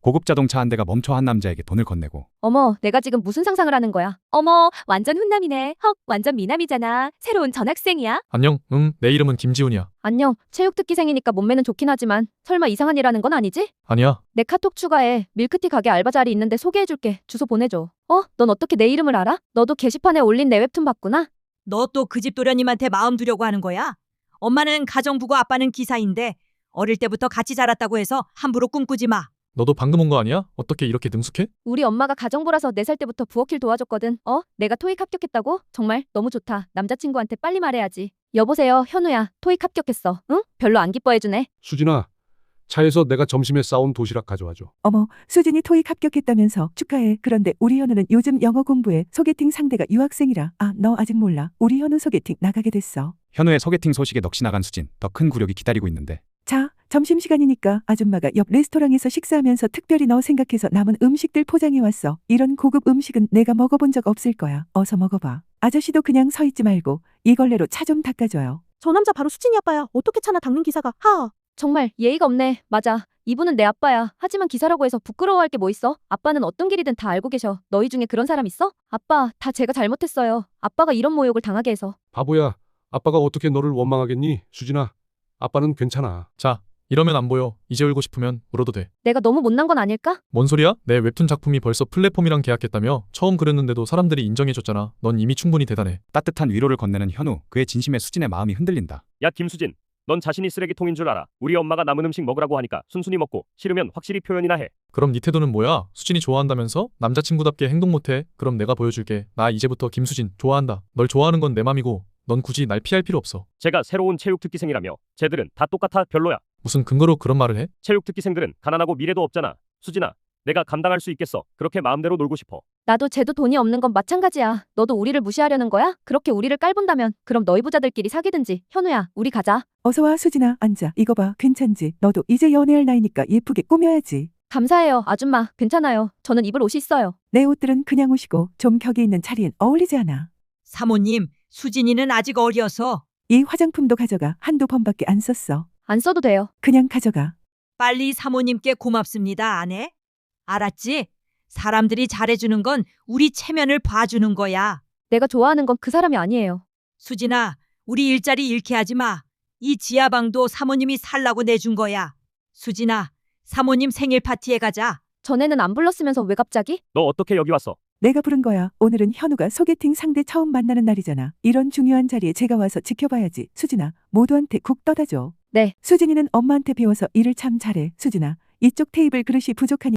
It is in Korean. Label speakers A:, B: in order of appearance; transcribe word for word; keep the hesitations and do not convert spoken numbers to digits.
A: 고급 자동차 한 대가 멈춰 한 남자에게 돈을 건네고.
B: 어머, 내가 지금 무슨 상상을 하는 거야? 어머, 완전 훈남이네. 헉, 완전 미남이잖아. 새로운 전학생이야?
C: 안녕, 응, 내 이름은 김지훈이야.
B: 안녕, 체육특기생이니까 몸매는 좋긴 하지만 설마 이상한 일 하는 건 아니지?
C: 아니야,
B: 내 카톡 추가해. 밀크티 가게 알바 자리 있는데 소개해줄게. 주소 보내줘. 어? 넌 어떻게 내 이름을 알아? 너도 게시판에 올린 내 웹툰 봤구나?
D: 너 또 그 집 도련님한테 마음 두려고 하는 거야? 엄마는 가정부고 아빠는 기사인데 어릴 때부터 같이 자랐다고 해서 함부로 꿈꾸지 마.
C: 너도 방금 온 거 아니야? 어떻게 이렇게 능숙해?
B: 우리 엄마가 가정부라서 네 살 때부터 부엌일 도와줬거든. 어? 내가 토익 합격했다고? 정말 너무 좋다. 남자친구한테 빨리 말해야지. 여보세요, 현우야. 토익 합격했어. 응? 별로 안 기뻐해주네.
E: 수진아, 차에서 내가 점심에 싸온 도시락 가져와줘.
F: 어머, 수진이 토익 합격했다면서 축하해. 그런데 우리 현우는 요즘 영어 공부에 소개팅 상대가 유학생이라. 아, 너 아직 몰라. 우리 현우 소개팅 나가게 됐어.
A: 현우의 소개팅 소식에 넋이 나간 수진. 더 큰 굴욕이 기다리고 있는데.
F: 자, 점심시간이니까 아줌마가 옆 레스토랑에서 식사하면서 특별히 너 생각해서 남은 음식들 포장해왔어. 이런 고급 음식은 내가 먹어본 적 없을 거야. 어서 먹어봐. 아저씨도 그냥 서 있지 말고 이 걸레로 차 좀 닦아줘요.
G: 저 남자 바로 수진이 아빠야. 어떻게 차나 닦는 기사가. 하하.
B: 정말 예의가 없네. 맞아. 이분은 내 아빠야. 하지만 기사라고 해서 부끄러워할 게 뭐 있어? 아빠는 어떤 길이든 다 알고 계셔. 너희 중에 그런 사람 있어? 아빠, 다 제가 잘못했어요. 아빠가 이런 모욕을 당하게 해서.
E: 바보야, 아빠가 어떻게 너를 원망하겠니? 수진아, 아빠는 괜찮아.
C: 자, 이러면 안 보여. 이제 울고 싶으면 울어도 돼.
B: 내가 너무 못난 건 아닐까?
C: 뭔 소리야? 내 웹툰 작품이 벌써 플랫폼이랑 계약했다며? 처음 그랬는데도 사람들이 인정해줬잖아. 넌 이미 충분히 대단해.
A: 따뜻한 위로를 건네는 현우. 그의 진심에 수진의 마음이 흔들린다.
H: 야 김수진, 넌 자신이 쓰레기통인 줄 알아. 우리 엄마가 남은 음식 먹으라고 하니까 순순히 먹고 싫으면 확실히 표현이나 해.
C: 그럼 네 태도는 뭐야? 수진이 좋아한다면서? 남자친구답게 행동 못해? 그럼 내가 보여줄게. 나 이제부터 김수진 좋아한다. 널 좋아하는 건 내 맘이고 넌 굳이 날 피할 필요 없어.
H: 제가 새로운 체육특기생이라며. 쟤들은 다 똑같아. 별로야.
C: 무슨 근거로 그런 말을 해?
H: 체육특기생들은 가난하고 미래도 없잖아. 수진아, 내가 감당할 수 있겠어. 그렇게 마음대로 놀고 싶어.
B: 나도 쟤도 돈이 없는 건 마찬가지야. 너도 우리를 무시하려는 거야? 그렇게 우리를 깔본다면 그럼 너희 부자들끼리 사귀든지. 현우야, 우리 가자.
F: 어서 와, 수진아. 앉아. 이거 봐. 괜찮지? 너도 이제 연애할 나이니까 예쁘게 꾸며야지.
B: 감사해요, 아줌마. 괜찮아요. 저는 입을 옷이 있어요.
F: 내 옷들은 그냥 옷이고 좀 격이 있는 차리엔 어울리지 않아.
D: 사모님, 수진이는 아직 어려서
F: 이 화장품도 가져가. 한두 번밖에 안 썼어.
B: 안 써도 돼요.
F: 그냥 가져가.
D: 빨리 사모님께 고맙습니다, 아내. 알았지? 사람들이 잘해주는 건 우리 체면을 봐주는 거야.
B: 내가 좋아하는 건 그 사람이 아니에요.
D: 수진아, 우리 일자리 잃게 하지 마. 이 지하방도 사모님이 살라고 내준 거야. 수진아, 사모님 생일 파티에 가자.
B: 전에는 안 불렀으면서 왜 갑자기?
H: 너 어떻게 여기 왔어?
F: 내가 부른 거야. 오늘은 현우가 소개팅 상대 처음 만나는 날이잖아. 이런 중요한 자리에 제가 와서 지켜봐야지. 수진아, 모두한테 국 떠다 줘.
B: 네.
F: 수진이는 엄마한테 배워서 일을 참 잘해. 수진아, 이쪽 테이블 그릇이 부족하니